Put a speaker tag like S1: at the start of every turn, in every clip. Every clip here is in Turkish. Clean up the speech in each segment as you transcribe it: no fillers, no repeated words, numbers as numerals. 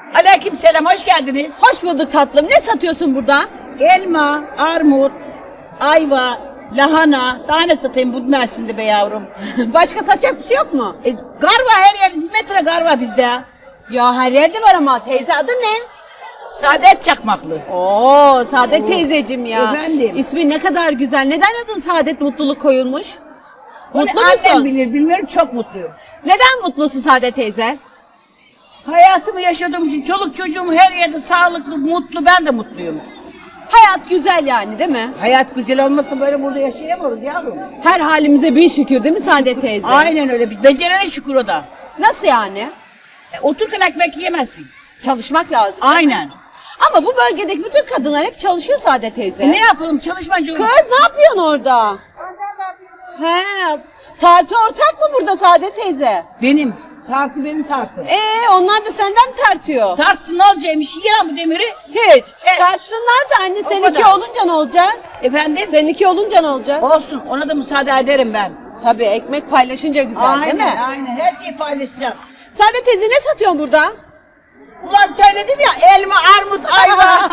S1: Aleykümselam, hoş geldiniz.
S2: Hoş bulduk tatlım. Ne satıyorsun burada?
S1: Elma, armut, ayva, lahana. Daha ne satayım bu mevsimde be yavrum?
S2: Başka satacak bir şey yok mu?
S1: Garva her yerde, 1 metre garva bizde.
S2: Ya her yerde var ama teyze adı ne?
S1: Saadet Çakmaklı.
S2: Oo Saadet teyzeciğim ya.
S1: Efendim?
S2: İsmi ne kadar güzel. Neden adın Saadet Mutluluk koyulmuş? Mutlu
S1: Onu annem
S2: musun?
S1: bilir, bilmiyorum, çok mutluyum.
S2: Neden mutlusun Saadet teyze?
S1: Hayatımı yaşadığım için çoluk çocuğum her yerde sağlıklı, mutlu, ben de mutluyum.
S2: Hayat güzel yani değil mi?
S1: Hayat güzel olmasa böyle burada yaşayamıyoruz yavrum.
S2: Her halimize bin şükür değil mi Saadet teyze?
S1: Aynen öyle, becerene şükür o da.
S2: Nasıl yani?
S1: Otururken ekmek yiyemezsin.
S2: Çalışmak lazım.
S1: Aynen.
S2: Ama bu bölgedeki bütün kadınlar hep çalışıyor Saadet teyze.
S1: Ne yapalım, çalışmacı
S2: Kız ne yapıyorsun orada? He, tartı ortak mı burada Saadet teyze?
S1: Benim. Tartı benim tartı.
S2: Onlar da senden mi tartıyor?
S1: Tartsın ne olacakmış, yiyen bu demiri.
S2: Hiç.
S1: Evet.
S2: Tartsınlar da anne
S1: O
S2: seninki
S1: kadar.
S2: olunca ne olacak?
S1: Efendim?
S2: Seninki olunca ne olacak?
S1: Olsun, ona da müsaade ederim ben.
S2: Tabii ekmek paylaşınca güzel değil
S1: Aynen,
S2: mi?
S1: aynen. Her şeyi paylaşacağım.
S2: Saadet teyze ne satıyorsun burada?
S1: Ulan söyledim ya, elma, armut, ayva.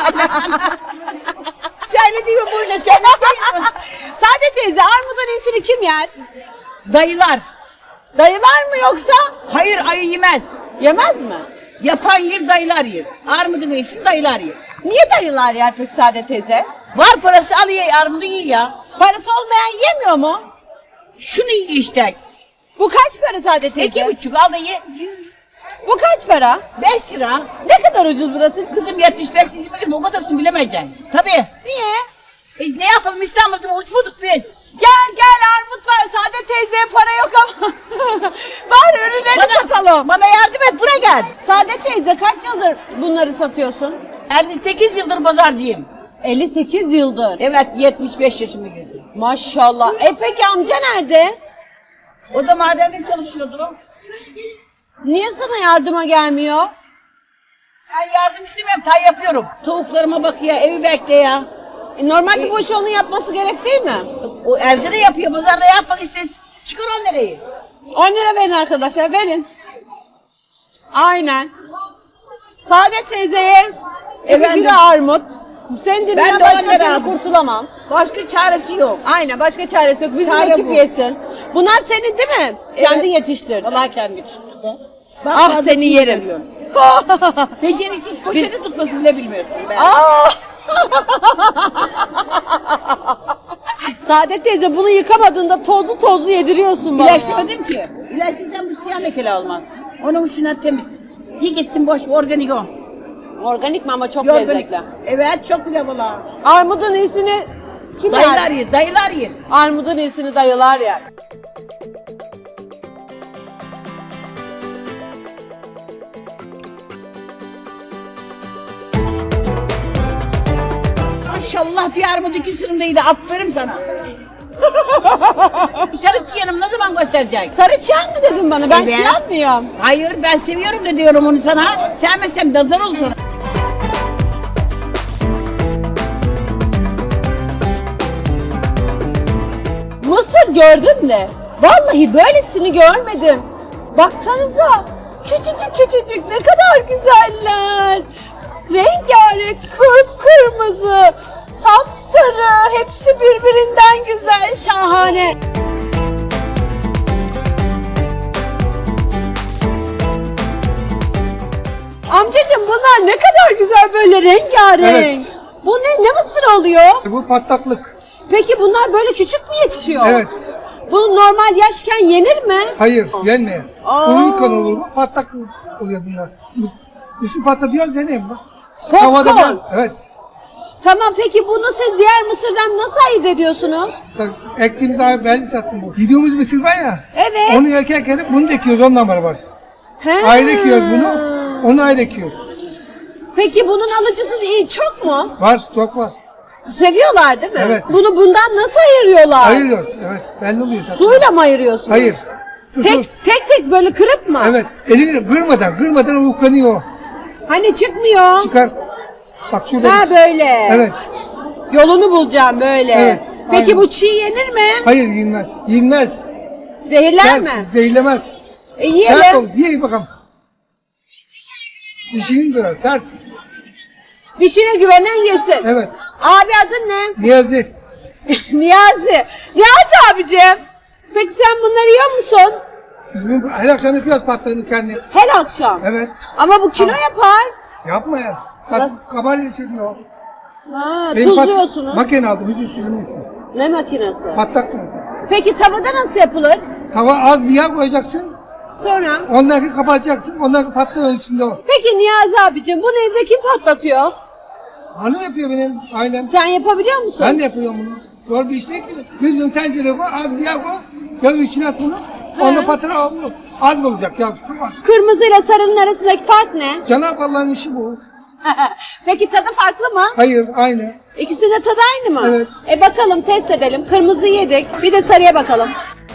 S1: Söylediğimi buyla söyleseydim.
S2: Saadet teyze armudun iyisini kim yer?
S1: Dayılar.
S2: Dayılar mı yoksa?
S1: Hayır, ayı yemez.
S2: Yemez mi?
S1: Yapan yer, dayılar yer. Armudun iyisini dayılar yer.
S2: Niye dayılar yer peki Saadet teyze?
S1: Var parası alıyor, armudu yiyor ya.
S2: Parası olmayan yemiyor mu?
S1: Şunu yiyor işte.
S2: Bu kaç para Saadet teyze?
S1: 2,5 al da ye.
S2: Bu kaç para?
S1: 5 lira.
S2: Ne kadar ucuz burası?
S1: Kızım 75 bilim, o kadarını bilemeyeceksin. Tabii.
S2: Niye?
S1: Ne yapalım, İstanbul'da uçmadık biz.
S2: Gel armut var. Saadet teyzeye para yok ama. Bari ürünleri satalım.
S1: Bana yardım et, buraya gel.
S2: Saadet teyze kaç yıldır bunları satıyorsun?
S1: 58 yıldır pazarcıyım.
S2: 58 yıldır.
S1: Evet, 75 yaşıma girdim.
S2: Maşallah. Peki amca nerede?
S1: O da madende çalışıyordu.
S2: Niye sana yardıma gelmiyor?
S1: Ben yardım istemem, tay yapıyorum. Tavuklarıma bak ya, evi bekle ya.
S2: Normalde bu işi onun yapması gerek değil mi?
S1: O evde de yapıyor, pazarda yapmak istes. Çıkar 10 lirayı.
S2: 10 lira verin arkadaşlar, verin. Aynen. Saadet teyzeye 2
S1: Efendim?
S2: kilo armut. Senin
S1: Ben
S2: dilinden
S1: de 10
S2: başka
S1: lira
S2: türlü
S1: aldım.
S2: kurtulamam.
S1: Başka çaresi yok.
S2: Aynen, başka çaresi yok. Bizim
S1: Çare
S2: ekip
S1: bu.
S2: yesin. Bunlar senin değil mi?
S1: Evet.
S2: Kendin yetiştirdin.
S1: Vallahi kendi yetiştirdi. Bak,
S2: Ah
S1: fazlasını
S2: seni yerim.
S1: veriyorum. Beceriksiz poşeti tutmasını bile bilmiyorsun be.
S2: Aa! Saadet teyze bunu yıkamadığında tozlu yediriyorsun bana.
S1: İlaçlamadım ki. İlaçsızsan bu siyah lekeli olmaz. Onun için temiz. İyi gitsin, boş, organik o.
S2: Organik mi ama çok
S1: Organik.
S2: lezzetli.
S1: Evet, çok güzel valla.
S2: Armudun iyisini kim
S1: Dayılar
S2: yer?
S1: yer, dayılar yer.
S2: Armudun iyisini dayılar yer.
S1: Maşallah bir armut 2 sürümdeydi, aferin sana. Sarı çiyanım ne zaman gösterecek?
S2: Sarı çiyan mı dedin bana? Ben
S1: Evet.
S2: çiyan mıyım?
S1: Hayır, ben seviyorum da diyorum onu sana. Sevmesem de zar olsun.
S2: Mısır gördüm de. Vallahi böylesini görmedim. Baksanıza. Küçücük ne kadar güzeller. Rengarenk kıpkırmızı. Sapsarı. Hepsi birbirinden güzel. Şahane. Amcacığım bunlar ne kadar güzel böyle rengarenk.
S3: Evet.
S2: Bu ne mısır oluyor?
S3: Bu patlaklık.
S2: Peki bunlar böyle küçük mü yetişiyor?
S3: Evet.
S2: Bu normal yaşken yenir mi?
S3: Hayır, gelmeyen. Uyurken olur bu, patlaklık oluyor bunlar. Üstü patlatıyoruz deneyim bak.
S2: Popcorn.
S3: bir- evet.
S2: Tamam peki bunu siz diğer mısırdan nasıl ayırt ediyorsunuz?
S3: Ektiğimiz abi belli sattım bu. Yediğimiz mısır var ya.
S2: Evet.
S3: Onu yerken bunu da ekiyoruz ondan var.
S2: He.
S3: Ayrı ekiyoruz bunu. Onu ayrı ekiyoruz.
S2: Peki bunun alıcısı iyi çok mu?
S3: Var, stok var.
S2: Seviyorlar değil mi?
S3: Evet.
S2: Bunu bundan nasıl ayırıyorlar?
S3: Ayırıyoruz. Evet, belli oluyor zaten.
S2: Suyla mı ayırıyorsunuz?
S3: Hayır. Susuz.
S2: Tek böyle kırıp mı?
S3: Evet, elini kırmadan uyuklanıyor.
S2: Hani çıkmıyor.
S3: Çıkar. Bak şurada.
S2: Ha böyle.
S3: Evet.
S2: Yolunu bulacağım böyle.
S3: Evet,
S2: Peki
S3: aynen.
S2: bu çiğ yenir mi?
S3: Hayır, yenmez. Yenmez.
S2: Zehirler
S3: Sert,
S2: mi?
S3: zehirlemez.
S2: Yiyelim.
S3: Sert olur. Yiyin bakalım. Dişinin kırar, sert.
S2: Dişine güvenen yesin.
S3: Evet.
S2: Abi adın ne?
S3: Niyazi.
S2: Niyazi. Niyazi abicim. Peki sen bunları yiyor musun?
S3: Biz bunu her akşam yapıyoruz patlarını kendim.
S2: Her akşam.
S3: Evet.
S2: Ama bu kilo yapar.
S3: Yapma ya.
S2: Nasıl?
S3: Kabarya çürüyor.
S2: Ha,
S3: Benim
S2: tuzluyorsunuz.
S3: Makine aldım, yüzü sürümü için.
S2: Ne makinesi?
S3: Patlak mı?
S2: Peki tavada nasıl yapılır?
S3: Tava az bir yağ koyacaksın.
S2: Sonra?
S3: Ondan sonra kapatacaksın. Ondan sonra patlıyor içinde o.
S2: Peki Niyazi abicim bunu evde kim patlatıyor?
S3: Hanım yapıyor benim ailem.
S2: Sen yapabiliyor musun?
S3: Ben de yapıyorum bunu. Zor bir iş değil ki. Bir tencere koy, az bir yağ koy. Yağı içine at bunu. Onda patır al bunu. Az olacak ya. Şu var.
S2: Kırmızı ile sarının arasındaki fark ne?
S3: Cenab-ı Allah'ın işi bu.
S2: Peki tadı farklı mı?
S3: Hayır, aynı.
S2: İkisi de tadı aynı mı?
S3: Evet.
S2: Bakalım test edelim. Kırmızı yedik. Bir de sarıya bakalım.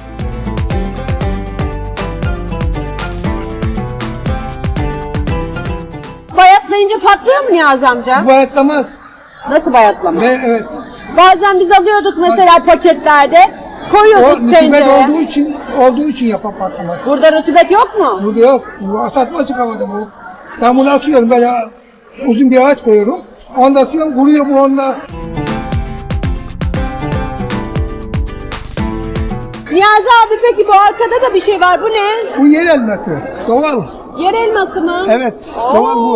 S2: Bayatlayınca patlıyor mu Niyazi amca?
S3: Bu bayatlamaz.
S2: Nasıl bayatlama?
S3: Ve evet.
S2: Bazen biz alıyorduk mesela paketlerde.
S3: O
S2: Koyuyorduk
S3: rutubet
S2: tencereye.
S3: olduğu için yapan patlamaz.
S2: Burada rutubet yok mu?
S3: Burada yok. Bu satma açık havada bu. Ben bunu asıyorum böyle uzun bir ağaç koyuyorum. Onda asıyorum, kuruyor bu onda.
S2: Niyazi abi peki bu arkada da bir şey var. Bu ne?
S3: Bu yer elması. Doğal.
S2: Yer elması mı?
S3: Evet. Doğal bu.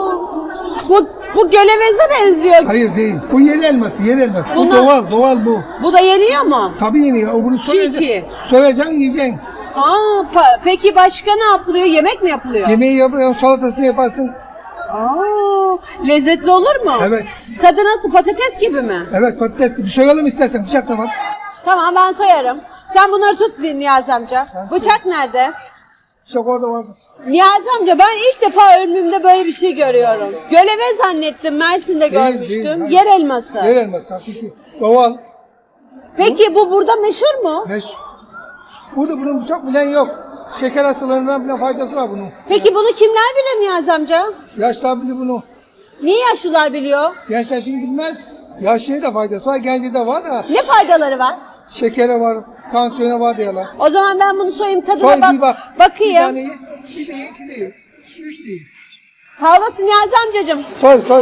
S2: Bu göleveze benziyor.
S3: Hayır değil. Bu yer elması, yer elması. Bu
S2: Bunlar-
S3: doğal bu.
S2: Bu da yeniyor mu?
S3: Tabii yeniyor. O bunu soyacaksın.
S2: çiğ.
S3: Soyacaksın, yiyeceksin.
S2: Peki başka ne yapılıyor? Yemek mi yapılıyor?
S3: Yemeği yapıyorsun, salatasını yaparsın.
S2: Lezzetli olur mu?
S3: Evet.
S2: Tadı nasıl? Patates gibi mi?
S3: Evet, patates gibi. Soyalım istersen. Bıçak da var.
S2: Tamam ben soyarım. Sen bunları tut Niyazi amca. Bıçak nerede?
S3: Bıçak orada var.
S2: Niyazi amca ben ilk defa ömrümde böyle bir şey görüyorum. Göleve zannettim, Mersin'de görmüştüm.
S3: hayır.
S2: Yer elması.
S3: Yer elması, hakiki. Doğal.
S2: Peki bu burada meşhur mu?
S3: Burada bunun çok bilen yok. Şeker hastalarından bile faydası var bunun.
S2: Peki bunu kimler bilir Niyazi amca?
S3: Yaşlar bilir bunu.
S2: Niye yaşlılar biliyor?
S3: Gençler şimdi bilmez. Yaşlıya da faydası var, gence de var da.
S2: Ne faydaları var?
S3: Şekere var, tansiyona var diyorlar.
S2: O zaman ben bunu soyayım tadına
S3: Soy bir bak. Bir
S2: bakayım.
S3: tane ye, bir de ye, iki de ye. Üç değil.
S2: Sağ olasın Niyazi amcacığım.
S3: Soy.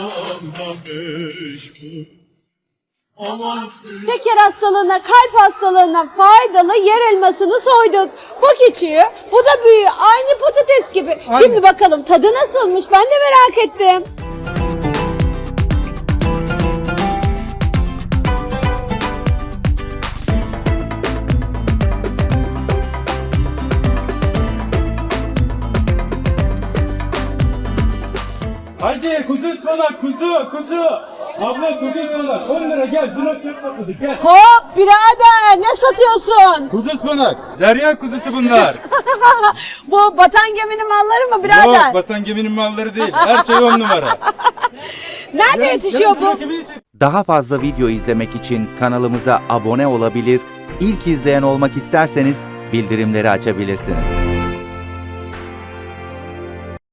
S2: Şeker hastalığına, kalp hastalığına faydalı yer elmasını soyduk. Bu küçüğü, bu da büyüğü. Aynı patates gibi.
S3: Aynı.
S2: Şimdi bakalım tadı nasılmış ben de merak ettim.
S4: Haydi kuzu ıspanak kuzu. Abla kuzu ıspanak 10 lira gel buna çok topladı gel.
S2: Hop birader ne satıyorsun?
S4: Kuzu ıspanak. Derya kuzusu bunlar.
S2: Bu batan geminin malları mı birader?
S4: Yok vatan geminin malları değil. Her şey 10 numara.
S2: Nerede yetişiyor bu?
S5: Daha fazla video izlemek için kanalımıza abone olabilir, ilk izleyen olmak isterseniz bildirimleri açabilirsiniz.